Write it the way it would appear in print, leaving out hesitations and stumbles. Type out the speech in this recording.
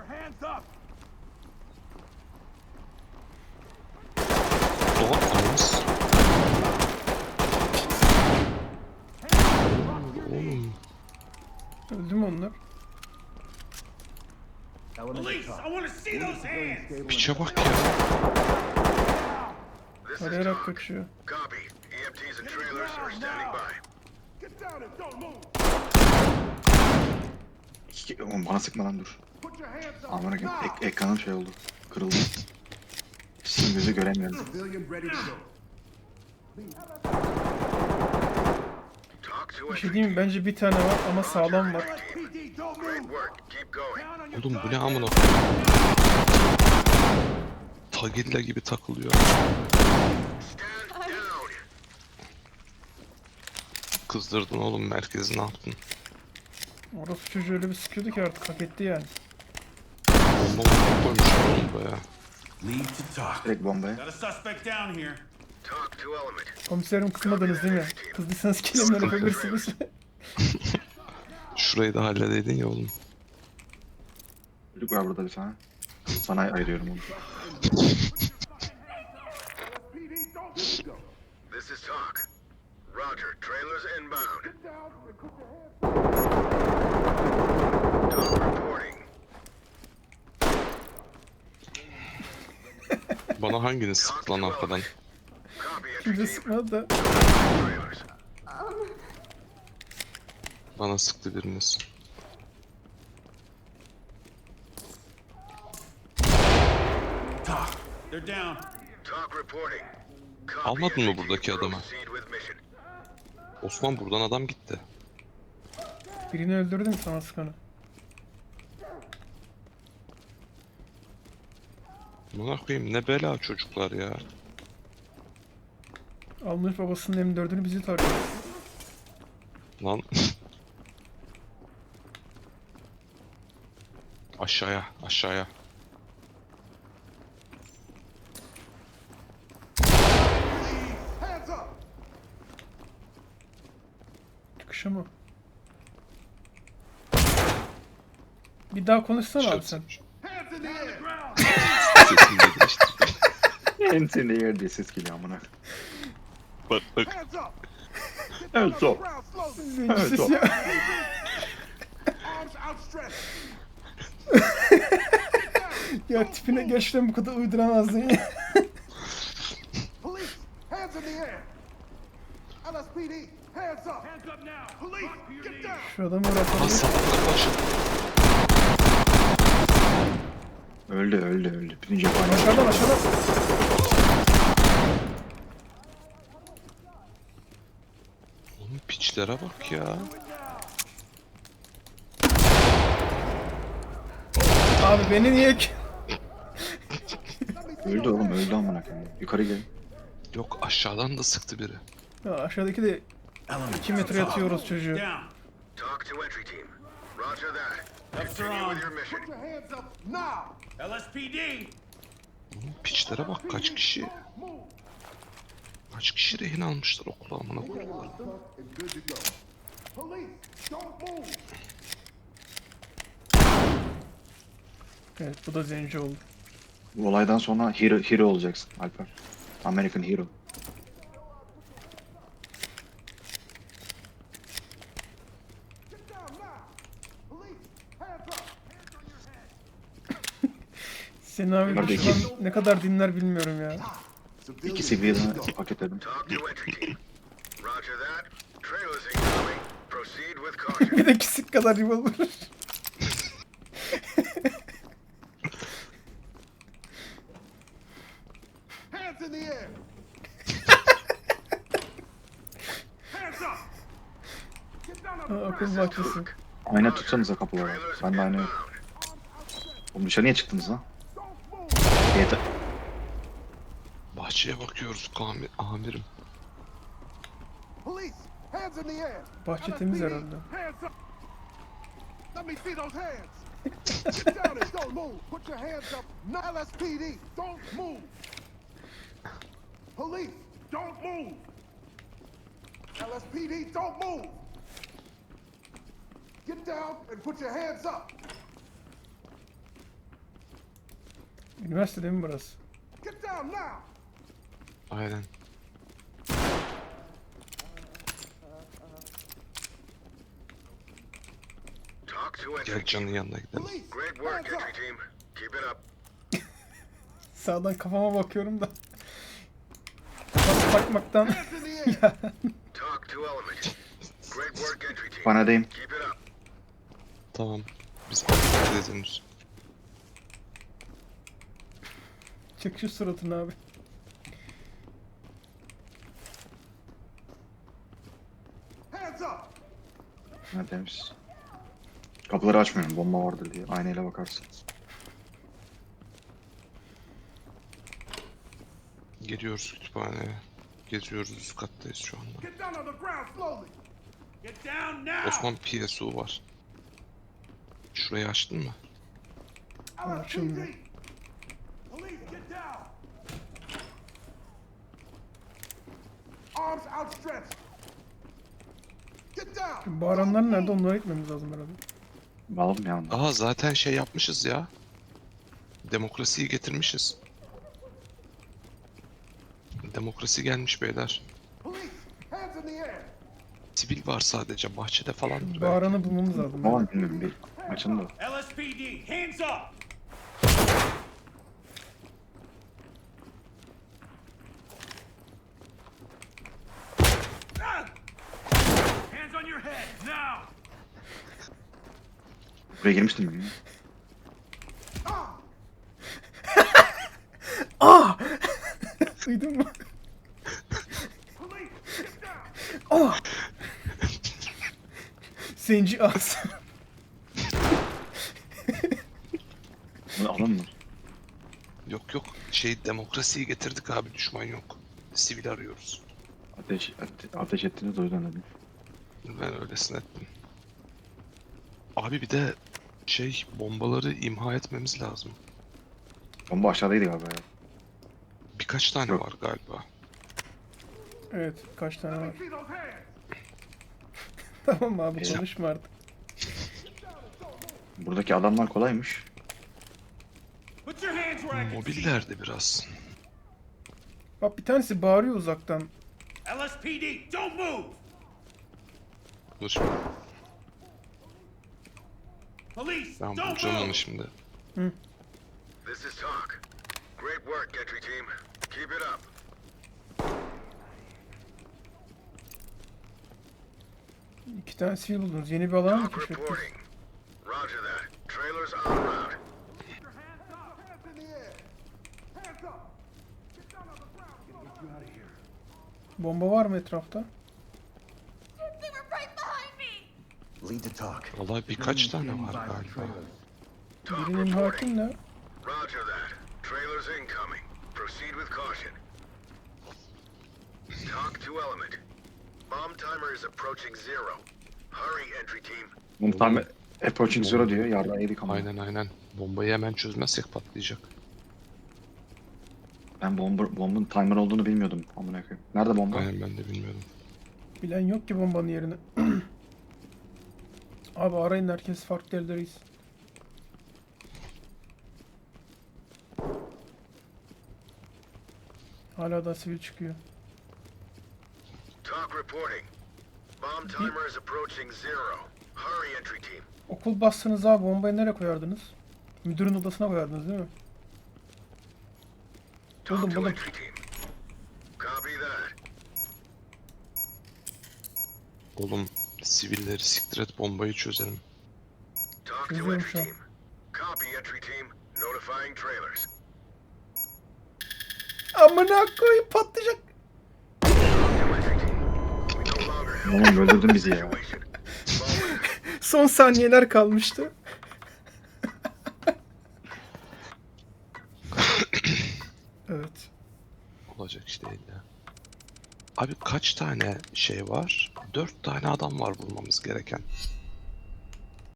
Doğa anız. Oğlum. Öldü mü onlar? Piçe bak ya. Arayarak kaçıyor. Oğlum bana sıkma lan dur. Aman akım ekranım şey oldu. Kırıldı. Sizin gözü göremiyorum. Bir şey diyeyim mi? Bence bir tane var ama sağlam var. Oğlum bu ne amına. Tagilla gibi takılıyor. Kızdırdın oğlum, merkezi ne yaptın? Orası çocuğu öyle bir sıkıyordu ki artık hak etti yani. Bomba bomba koymuşlar oğlum buraya. Direkt bombaya. Got a suspect down here. Komiserim kızmadınız değil mi? Kızdıysanız kelimler yapabilirsiniz. Şurayı da halledeydin ya oğlum. Çocuk var burada bir tane. Sana ayırıyorum onu. This is talk. Roger, trailers inbound. Talk reporting. Bana hanginiz sıktı lan arkadan? Copy entry Kimse team. sıkmadı da. Trailers. Bana sıktı biriniz. They're down. Talk reporting. Copy Almadın mı entry buradaki team. adamı? Proceed with mission. Osman buradan adam gitti. Birini öldürdüm sana sıkanı. Buna koyayım, ne bela çocuklar ya. Almış babasının M4'ünü bizi tarıyor. Lan. Aşağıya, aşağıya. Çıkışı mı? Bir daha konuşsana abi sen. Sesim de değişti. Ensinde yer diye ses geliyor amına. Bak bak. Evet o. Zenci ses ya. Ya tipine gerçekten bu kadar uyduramazdın ya. Police, hands in the air. LSPD, hands up. Hands up now. Police, get down. Şu adamı bırakalım. Aslan başı. Öldü. Birinci cephane. Aşağıdan aşağıdan. Oğlum piçlere bak ya. Abi beni niye ki? Öldü oğlum öldü amına koyayım. Yukarı gel. Yok, aşağıdan da sıktı biri. Ya aşağıdaki de 2 metre yatıyoruz çocuğu. Down. Talk to entry team. Roger that. Ducks are Continue on. with your mission. Put your hands up now. LSPD. Oğlum piçlere bak, kaç kişi. Kaç kişi rehin almışlar okula amına koyayım. And good to go. Police, don't move. Evet bu da zenci oldu. Bu olaydan sonra hero olacaksın Alper. American Hero. Get down now. Police, hands up. Senin abi Bunlar da şu an ne kadar dinler bilmiyorum ya. İki seviyeden paketledim. Talk to entry team. Roger that. Trailers incoming. Proceed with caution. Bir de kisik kadar revolver. Hands in the air. Hands up. Get down on the Ha, akıl bahçesi. Ayna tutsanıza kapıları. Trailers Ben de ayna inbound. yok. Oğlum dışarıya çıktınız lan. Don't move. Yeter. Bahçeye bakıyoruz amirim. Police, hands in the air. Bahçe temiz LSPD, herhalde. hands up. Let me see those hands. Get down and don't move. Put your hands up. No, LSPD, don't move. Police, don't move. LSPD, don't move. Get down and put your hands up. Üniversitede mi burası? Get down now. Aynen. Talk to entry Gel team. Can'ın yanına gidelim. Police, Great work, hands entry up. team. Keep it up. Sağdan kafama bakıyorum da. Bakmaktan. Hands in the air. Talk to element. Great work, entry team. Panadayım. Keep it up. Tamam. Biz bakacağız henüz. Çık şu suratını abi. Hands up. Ha, temiz. Kapıları açmıyorum. Bomba vardır diye. Aynayla bakarsın. Geliyoruz kütüphaneye. Geziyoruz, üst kattayız şu anda. Get down on the ground slowly. Get down now. Osman PSU var. Şurayı açtın mı? Açıldı. LSPD. Police, get down. Arms outstretched. Get down. Bağıranlar nerede? Onlara gitmemiz lazım herhalde. Alalım ya onu. Aa zaten şey yapmışız ya. Demokrasiyi getirmişiz. Demokrasi gelmiş beyler. Police, hands in the air. Sivil var sadece, bahçede falandır belki. Bağıranı bulmamız lazım. Tamam bilmiyorum. Bir açın da. LSPD, hands up. Ah! Hands on your head now. Buraya girmiştim mi? Duydun mu? Police, get down. Zenci ağız. Bunu alın mı? Yok yok, şey demokrasiyi getirdik abi, düşman yok. Sivil arıyoruz. Ateş ettiğini duydun dedim. Ben öylesine ettim. Abi bir de şey, bombaları imha etmemiz lazım. Bomba aşağıdaydı galiba ya. Birkaç tane Yok. var galiba. Evet, kaç tane var. Let me see those hands. Tamam abi, Eyvah. konuşma artık. Buradaki adamlar kolaymış. Put your hands where I can see. Mobillerde biraz. Bak bir tanesi bağırıyor uzaktan. LSPD, don't move. Dur şimdi, Police, ben don't bulacağım onu move. şimdi. This is talk. Great work, entry team. Keep it up. İki tane sivil buldunuz. Yeni bir alan mı Talk keşfettiniz? reporting. Roger that. Trailers en route. Hands in the air. Hands up. Get down on the ground slowly. Bomba var mı etrafta? They were right behind me. Lead to talk. Vallahi birkaç tane var galiba. Talk Birinin reporting. hakim ne? Roger that. Trailers incoming. Proceed with caution. Talk to element. Bomb timer is approaching zero. Hurry, entry team. Bunu tam approaching zero diyor. Yardım yedik ama. Aynen. Bombayı hemen çözmezsek patlayacak. Ben bombun timer olduğunu bilmiyordum. Amına koyayım. Nerede bomba? Aynen, ben de bilmiyordum. Bilen yok ki bombanın yerini. Abi arayın, herkes farklı yerdeyiz. Hala da sivil çıkıyor. Talk reporting. Bomb timer is approaching zero. Hurry, entry team. Okul bastınız abi, bombayı nereye koyardınız? Müdürün odasına koyardınız değil mi? Talk Buldum, to buldum. entry team. Copy that. Oğlum, sivilleri siktir et, bombayı çözelim. Talk to Çözüyorum entry şu an. team. Copy, entry team. Notifying trailers. Amına koyayım, patlayacak. Talk to entry team. We no longer have Oğlum öldürdün bizi ya. situation. Moment. Son saniyeler kalmıştı. Evet. Olacak iş değil ya. Abi kaç tane şey var? 4 tane adam var bulmamız gereken.